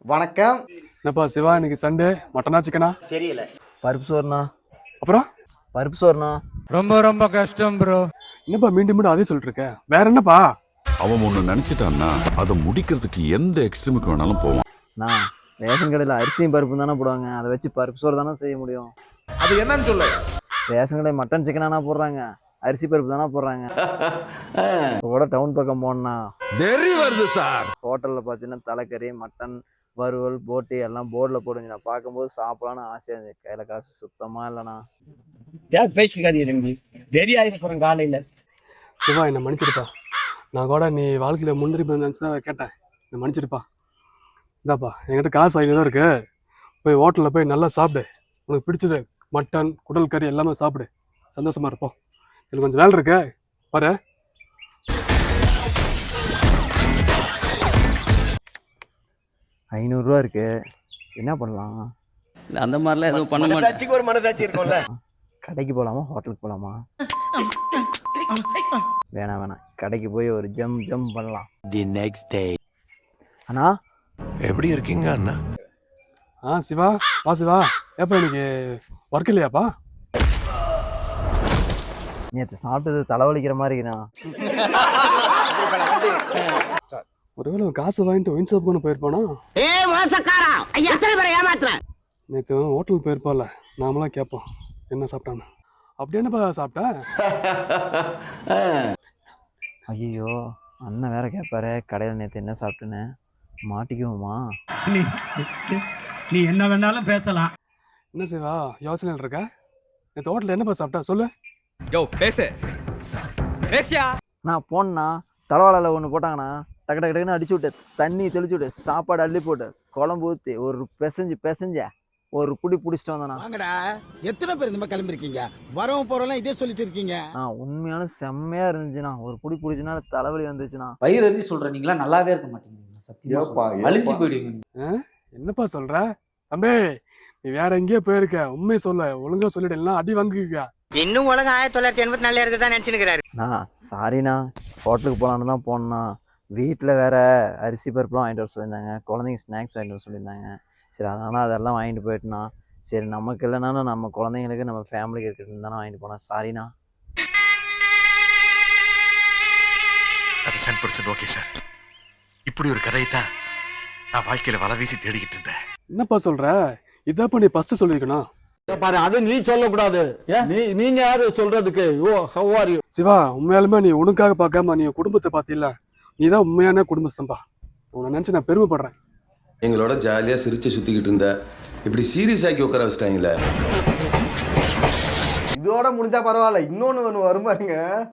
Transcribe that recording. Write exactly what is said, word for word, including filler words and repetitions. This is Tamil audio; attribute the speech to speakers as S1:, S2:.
S1: வணக்கம்.
S2: என்னப்பா சிவா, இன்னைக்கு சண்டே மட்டனா சிக்கனா?
S1: தெரியல.
S3: பருப்பு சோறுண்ணா.
S2: அப்புறம்
S3: பருப்பு சோறுண்ணா.
S4: ரொம்ப ரொம்ப கஷ்டம் ப்ரோ.
S2: என்னப்பா மீண்டும் மீண்டும் அதே சொல்லிட்டு இருக்க? வேற என்னப்பா?
S5: அவன் ஒண்ணு நினைச்சிட்டான்னா அதை முடிக்கிறதுக்கு எந்த எக்ஸ்ட்ரீமுக்கு வேணாலும் போவான்.
S3: நான் ரேஷன் கடையில் அரிசியும் பருப்பு தானே போடுவாங்க, அதை வச்சு பருப்பு சோறு தானே செய்ய முடியும்.
S1: அது என்னன்னு சொல்லு.
S3: ரேஷன் கடை மட்டன் சிக்கனானா போடுறாங்க, அரிசி பருப்பு தானே போடுறாங்க. இப்போ கூட டவுன் பக்கம் போனா
S5: வெறி வருது சார்.
S3: ஹோட்டலில் பார்த்தீங்கன்னா தலைக்கறி, மட்டன் வறுவல், போட்டி எல்லாம் போர்டில் போடுங்க. நான் பார்க்கும்போது சாப்பிடலான்னு ஆசையாக இருந்துச்சு. கையில் காசு சுத்தமாக இல்லைண்ணா.
S1: பேசிக்காதீங்க, தெரியாது போகிறேன் காலையில்.
S2: சிவா, என்னை மன்னிச்சிருப்பா. நான் கூட நீ வாழ்க்கையில் முன்னேறி நினச்சி தான் கேட்டேன். என்னை மன்னிச்சிருப்பா. இதாப்பா, என்கிட்ட காசு ஐநூறு தான் இருக்கு. போய் ஹோட்டலில் போய் நல்லா சாப்பிடு. உனக்கு பிடிச்சது மட்டன், குடல் கறி எல்லாமே சாப்பிடு. சந்தோஷமா இருப்போம். எனக்கு கொஞ்சம் வேலை இருக்கு, பாரு.
S3: ஐநூறுரூவா இருக்கு, என்ன பண்ணலாம்?
S6: அந்த மாதிரிலாம் எதுவும் பண்ண மாட்டேன்.
S1: ஒரு மனசாட்சி இருக்கும்ல.
S3: கடைக்கு போகலாமா, ஹோட்டலுக்கு போகலாமா? வேணாம் வேணாம், கடைக்கு போய் ஒரு ஜம் ஜம் பண்ணலாம்.
S7: The next day.
S3: அண்ணா
S7: எப்படி இருக்கீங்க அண்ணா?
S2: ஆ சிவா, வா சிவா. ஏப்பா இன்னைக்கு ஒர்க் இல்லையாப்பா?
S3: நேற்று சாப்பிட்டது தலைவலிக்கிற மாதிரி இருக்குண்ணா.
S2: ஒருவேளை காசு வாங்கிட்டு ஒயின் ஷாப் கொண்டு போயிருப்பானா? நேற்று ஹோட்டல் போயிருப்பால, நாமளாம் கேட்போம் என்ன சாப்பிட்டான்னு. அப்படி என்னப்பா சாப்பிட்டேன்?
S3: ஐயோ, அண்ணன் வேற கேட்பாரு கடையில் நேற்று என்ன சாப்பிட்டுன்னு. மாட்டிக்குவோமா?
S4: நீ என்ன வேணாலும் பேசலாம்.
S2: என்ன சிவா யோசனையில் இருக்க? நேற்று ஹோட்டலில் என்னப்பா சாப்பிட்டா சொல்லு.
S4: யோ பேசு பேசியா.
S3: நான் போனேண்ணா, தலைவாழையில் ஒன்று போட்டாங்கண்ணா. டக்கு டக்கு டக்குன்னு அடிச்சு விட்டு, தண்ணி தெளிச்சு விட்டு, சாப்பாடு அள்ளி போட்டு, குழம்பு ஊற்றி ஒரு பிசைஞ்சு பிசைஞ்ச ஒரு புடி பிடிச்சிட்டு வந்தேண்ணா.
S8: வாங்கடா, எத்தனை பேர் இந்த மாதிரி கிளம்பிருக்கீங்க? வரவும் போறோம்லாம் இதே சொல்லிட்டு இருக்கீங்க.
S3: ஆ, உண்மையான செம்மையா இருந்துச்சுண்ணா. ஒரு புடி பிடிச்சுனா தலைவலி வந்துச்சுண்ணா.
S6: பயிர் எரிஞ்சு சொல்ற நீங்களா நல்லாவே இருக்க மாட்டீங்க. சத்தியமா அழிஞ்சு போயிடுவீங்க.
S2: என்னப்பா சொல்ற தம்பி? நீ வேற எங்கேயோ போயிருக்க. உண்மையை சொல்ல, ஒழுங்கா சொல்லிட்டு எல்லாம் அடி வாங்குவீங்க.
S1: இன்னும் உலகம் ஆயிரத்தி தொள்ளாயிரத்தி எண்பத்தி நாலுல இருக்குதான் நினைச்சுக்கிறாரு.
S3: நான் சாரிண்ணா, ஹோட்டலுக்கு போகலான்னு தான் போனேண்ணா. வீட்டில் வேற அரிசி பருப்புலாம் வாங்கிட்டு வர சொல்லியிருந்தாங்க, குழந்தைங்க ஸ்நாக்ஸ் வாங்கிட்டு வர சொல்லியிருந்தாங்க. சரி, அதனால் அதெல்லாம் வாங்கிட்டு போயிட்டுண்ணா. சரி, நமக்கு இல்லைனா நம்ம குழந்தைங்களுக்கு நம்ம ஃபேமிலிக்கு இருக்கிறது தானே வாங்கிட்டு போனேன். சாரிண்ணா.
S7: அது சென் பர்சன்ட் ஓகே சார். இப்படி ஒரு கதையை தான் நான் வாழ்க்கையில வலை வீசி தேடிக்கிட்டு இருந்தேன்.
S2: என்னப்பா சொல்ற? இதாப்பா நீ ஃபர்ஸ்ட் சொல்லிருக்கணும்.
S9: பாரு, அது நீ சொல்லக்கூடாது. நீ நீங்க யாரு சொல்றதுக்கு? ஓ, ஹவ் ஆர் யூ?
S2: சிவா, உண்மையாலுமே நீ உனக்காக பார்க்காம நீ குடும்பத்தை பார்த்தில்ல, நீ தான் உண்மையான குடும்பஸ்தம்பா. உன்னை நினைச்சு நான் பெருமைப்படுறேன்.
S10: எங்களோட ஜாலியா சிரிச்சு சுத்திக்கிட்டு இருந்த இப்படி சீரியஸ் ஆக்கி உட்கார வச்சிட்டாங்களே.
S1: இதோட முடிஞ்சா பரவாயில்ல, இன்னொன்னு ஒன்று வரும் பாருங்க.